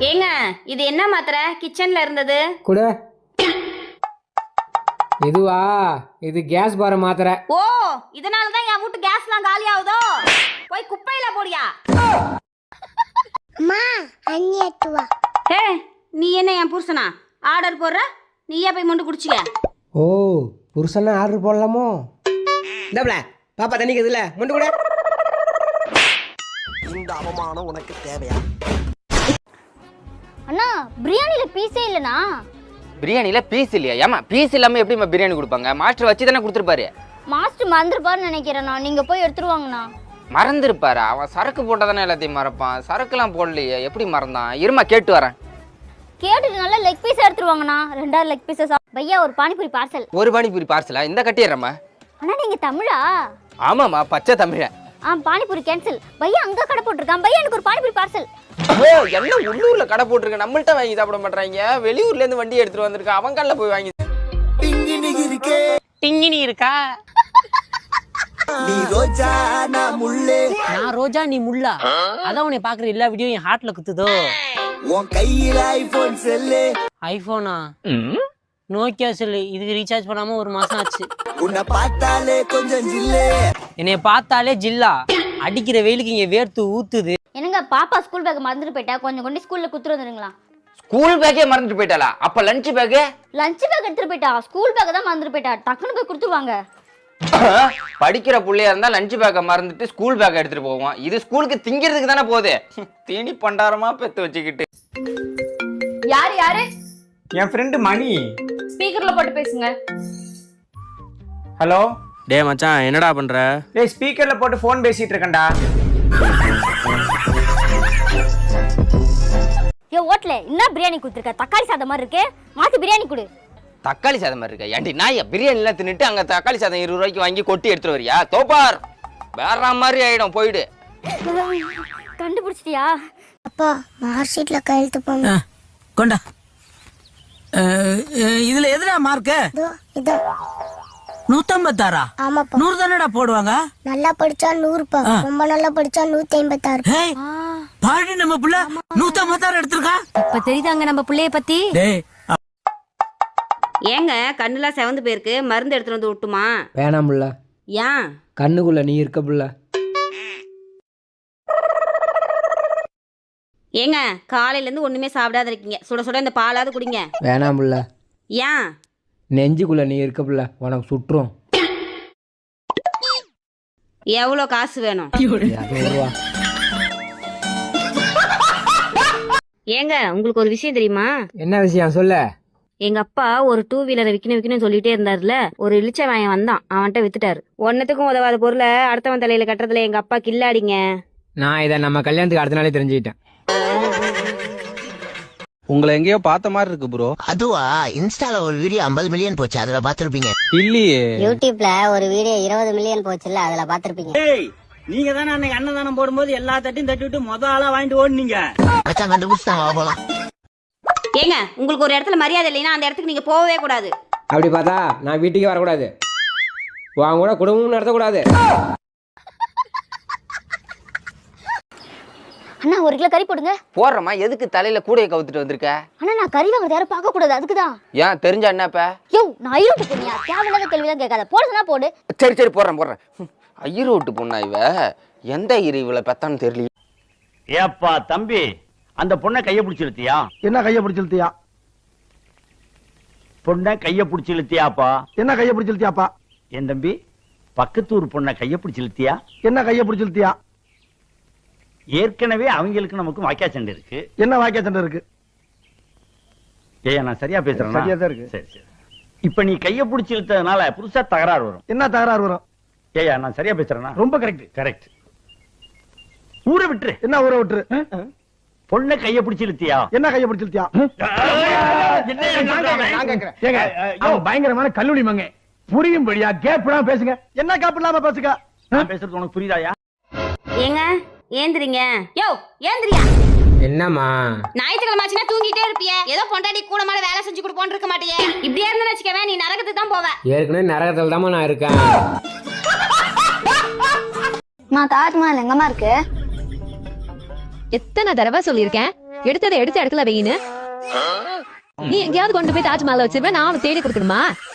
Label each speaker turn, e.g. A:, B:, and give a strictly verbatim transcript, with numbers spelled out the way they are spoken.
A: ஏங்க இது என்ன மாத்திரை கிச்சன்ல இருந்தது?
B: கூட இதுவா? இது கேஸ் பார மாத்திரை.
A: ஓ, இதனால தான் என் வீட்டு கேஸ்லாம் காலி ஆகுதோ. போய் குப்பையில போடியா.
C: அம்மா அண்ணி அட்டுவா.
A: ஹே, நீ என்ன என் புருஷனா? ஆர்டர் போடுற, நீயே போய் மொண்டு குடிச்சிக்க.
B: ஓ, புருஷனா ஆர்டர் போடலாமோ? இந்தப்ல பாப்பா தண்ணி கதுல மொண்டு கூட.
D: இந்த அவமானம் உனக்கு தேவையா?
C: அண்ணா பிரியாணில பீஸே இல்லனா?
E: பிரியாணில பீஸ் இல்லையா? ஏமா பீஸ் இல்லாம எப்படிமா பிரியாணி கொடுப்பாங்க? மாஸ்டர் வச்சு தானே கொடுத்துருப்பாரு.
C: மாஸ்டர் மறந்துருப்பாருன்னு நினைக்கிறேண்ணா. நீங்க போய் எடுத்துருவாங்கண்ணா.
E: மறந்துருப்பாரு? அவன் சரக்கு போட்டதானே எல்லாத்தையும் மறப்பான். சரக்குலாம் போடலையே, எப்படி மறந்தான்? இருமா கேட்டு வரேன்.
C: கேட்டுட்டு நல்லா லெக் பீஸ் எடுத்துருவாங்கண்ணா. ரெண்டாவது லெக் பீஸஸ். பையா ஒரு பானிபூரி பார்சல்.
E: ஒரு பானிபூரி பார்சலா? இந்த கட்டிடுறேம்மா.
C: அண்ணா நீங்க தமிழா?
E: ஆமாம்மா, பச்சை தமிழ.
C: ஆ, பானிபூரி கேன்சல். பையா அங்க கடை போட்டிருக்கான். பையா எனக்கு ஒரு பானிபூரி பார்சல்.
E: ஓ, என்ன உள்ளூர்ல கடை போட்டிருக்க, நம்மள்ட்ட வாங்கி சாப்பிட மாட்டாங்க. வெளியூர்ல இருந்து வண்டி எடுத்துட்டு வந்திருக்கா, அவங்க கல்ல போய் வாங்கி. டிங்கினி இருக்கா?
D: நீ ரோஜா நான் முள்ளே.
F: நான் ரோஜா நீ முள்ளா? அதான் உன்னை பாக்குற எல்லா வீடியோ என் ஹார்ட்ல குத்துதோ.
D: உன் கையில ஐபோன் செல்லு.
F: ஐபோனா? Nokia cell. இதுக்கு ரீசார்ஜ் பண்ணாம ஒரு மாசம் ஆச்சு.
D: உன்னை பார்த்தாலே கொஞ்சம் ஜில்லே.
F: என்னைய பார்த்தாலே ஜில்லா. அடிக்கிற வெயிலுக்கு இங்க வேர்த்து ஊத்துது.
C: என்னங்க பாப்பா ஸ்கூல் பேக் மறந்துட்டு போயிட்டா, கொஞ்சம் கொண்டு ஸ்கூல்ல குத்துட்டு வந்துருங்களா?
E: ஸ்கூல் பேக்கே மறந்துட்டு போயிட்டாளா? அப்ப லஞ்ச் பேக்கு?
C: லஞ்ச் பேக் எடுத்துட்டு போயிட்டா, ஸ்கூல் பேக் தான் மறந்துட்டு போயிட்டா. டக்குனு போய் கொடுத்துருவாங்க.
E: படிக்கிற புள்ளையா இருந்தா லஞ்ச் பேக்கை மறந்துட்டு ஸ்கூல் பேக்கை எடுத்துட்டு போவோம். இது ஸ்கூலுக்கு திங்கிறதுக்கு தானே போகுது. தீனி பண்டாரமா பெத்து வச்சுக்கிட்டு.
A: யாரு யாரு?
G: என் ஃப்ரெண்டு மணி.
A: ஸ்பீக்கர்ல போட்டு பேசுங்க.
G: ஹலோ.
H: டே மச்சான், என்னடா பண்ற?
G: டேய் ஸ்பீக்கர்ல போட்டு ஃபோன் பேசிட்டு இருக்கேன்டா.
C: ஏ ஓட்ல என்ன பிரியாணி குடுத்துருக்க? தக்காளி சாதம் மாதிரி இருக்கு. மாத்தி பிரியாணி கொடு.
E: தக்காளி சாதம் மாதிரி இருக்கா? ஏன்டி நாய பிரியாணி எல்லாம் தின்னுட்டு அங்க தக்காளி சாதம் இருபது ரூபாய்க்கு வாங்கி கொட்டி எடுத்துட்டு வரியா? தோப்பார் வேற மாதிரி ஆயிடும், போயிடு.
C: கண்டுபிடிச்சிட்டியா? அப்பா மார்க் ஷீட்ல கையெழுத்து போங்க.
I: கொண்டா. இதுல எதுடா மார்க்கு?
C: இதோ இதோ.
I: நூத்தம்பத்தாறா?
C: ஆமாப்பா.
I: நூறு தானடா போடுவாங்க.
C: நல்லா படிச்சா நூறுப்பா, ரொம்ப நல்லா படிச்சா நூத்தி ஐம்பத்தாறு.
I: பாடி நம்ம புள்ள நூத்தம்பத்தாறு எடுத்திருக்கா.
A: இப்ப தெரியுதாங்க நம்ம புள்ளைய பத்தி.
I: டேய்
A: ஏங்க கண்ணுலாம் செவந்து போயிருக்கு, மருந்து எடுத்துட்டு வந்து விட்டுமா?
B: வேணாம் புள்ள.
A: ஏன்?
B: கண்ணுக்குள்ள நீ இருக்க புள்ள.
A: ஏங்க காலையில இருந்து ஒண்ணுமே சாப்பிடாத இருக்கீங்க, சுட சுட இந்த பாலாவது குடிங்க.
B: வேணாம் புள்ள.
A: ஏன்?
B: நெஞ்சுக்குள்ள நீ இருக்க புள்ள, உனக்கு சுற்றும்.
A: எவ்வளோ காசு வேணும்?
B: ரூபா.
A: ஏங்க உங்களுக்கு ஒரு விஷயம் தெரியுமா?
B: என்ன விஷயம் சொல்ல?
A: எங்க அப்பா ஒரு டூ வீலரை விக்கணும் விக்கணும் சொல்லிட்டே இருந்தாருல, ஒரு இளிச்ச வாயன் வந்தான், அவன்கிட்ட வித்துட்டாரு. ஒன்னத்துக்கும் உதவாத பொருளை அடுத்தவன் தலையில கட்டுறதுல எங்க அப்பா கில்லாடிங்க.
B: நான் இதை நம்ம கல்யாணத்துக்கு அடுத்த நாளே தெரிஞ்சுக்கிட்டேன்.
H: உங்களை எங்கேயோ பார்த்த மாதிரி இருக்கு ப்ரோ.
D: அதுவா, இன்ஸ்டால ஒரு வீடியோ ஐம்பது மில்லியன் போச்சு, அதுல பாத்துருப்பீங்க.
H: இல்லையே.
C: யூடியூப்ல ஒரு வீடியோ இருபது மில்லியன் போச்சுல்ல, அதுல பாத்துருப்பீங்க.
I: நீங்க தானே அன்னைக்கு அன்னதானம் போடும்போது எல்லா தட்டையும் தட்டி விட்டு மொத ஆளா வாங்கிட்டு ஓடுனீங்க.
D: மச்சான் கண்டுபிடிச்சாங்க, போலாம்.
A: ஏங்க உங்களுக்கு ஒரு இடத்துல மரியாதை இல்லைன்னா அந்த இடத்துக்கு நீங்க போகவே கூடாது.
B: அப்படி பார்த்தா நான் வீட்டுக்கே வரக்கூடாது, வாங்க கூட குடும்பமும் நடத்தக்கூடாது.
C: அண்ணா ஒரு கிலோ கறி போடுங்க.
E: போடுறமா? எதுக்கு தலையில கூடைய கவுத்துட்டு வந்திருக்க?
C: அண்ணா நான் கறி வாங்குறது யாரும் பார்க்க கூடாது, அதுக்குதான்.
E: ஏன் தெரிஞ்சா என்னப்ப?
C: யோ நான் ஐரோட்டு பொண்ணியா, தேவையில்லாத கேள்விதான் கேட்காத. போடுறதுனா போடு.
E: சரி சரி போடுறேன் போடுறேன். ஐரோட்டு பொண்ணா இவ? எந்த இரு இவளை பெத்தான்னு தெரியல.
J: ஏப்பா தம்பி, அந்த பொண்ணை கைய பிடிச்சி இழுத்தியா?
G: என்ன கைய பிடிச்சி இழுத்தியா?
J: பொண்ணை கைய பிடிச்சி இழுத்தியாப்பா?
G: என்ன கைய பிடிச்சி இழுத்தியாப்பா?
J: என் தம்பி, பக்கத்தூர் பொண்ணை கைய பிடிச்சி இழுத்தியா?
G: என்ன கைய பிடிச்சி இழுத்தியா?
J: ஏற்கனவே அவங்களுக்கு நமக்கு வாக்கியா சண்டை இருக்கு.
G: என்ன வாக்கிய சண்டை இருக்கு?
J: ஏயா நான் சரியா பேசுறேன்?
G: சரியா தான் இருக்கு.
J: சரி சரி. இப்ப நீ கைய பிடிச்சி இழுத்ததுனால புதுசா தகராறு வரும்.
G: என்ன தகராறு வரும்?
J: ஏயா நான் சரியா பேசுறேன்னா?
G: ரொம்ப கரெக்ட்.
J: கரெக்ட். ஊரை விட்டுரு.
G: என்ன ஊரை விட்டுரு?
J: பொண்ணை கைய பிடிச்சி இழுத்தியா?
G: என்ன கைய பிடிச்சி இழுத்தியா? பயங்கரமான கல்லூரி மங்க, புரியும்படியா கேப்லாம் பேசுங்க. என்ன கேப் இல்லாம பேசுங்க.
J: நான் பேசுறது உனக்கு புரியுதாயா?
A: ஏங்க ஏந்திரிங்க. யோ ஏந்திரியா.
B: என்னம்மா
A: ஞாயிற்றுக்கிழமை ஆச்சுன்னா தூங்கிட்டே இருப்பியே, ஏதோ பொண்டாட்டி கூட மாட வேலை செஞ்சு கொடுப்போன்னு இருக்க மாட்டியே. இப்படியே இருந்தா வச்சுக்கவே நீ நரகத்துக்கு தான் போவ.
B: ஏற்கனவே நரகத்துல தாம்மா நான் இருக்கேன்.
C: நான் தாஜ்மஹால் எங்கம்மா இருக்கு?
A: எத்தனை தடவை சொல்லியிருக்கேன்,
K: எடுத்ததை எடுத்த இடத்துல வையின்னு நீ எங்கேயாவது கொண்டு போய் தாஜ்மஹால் வச்சிருவேன் நான் தேடி கொடுக்கணுமா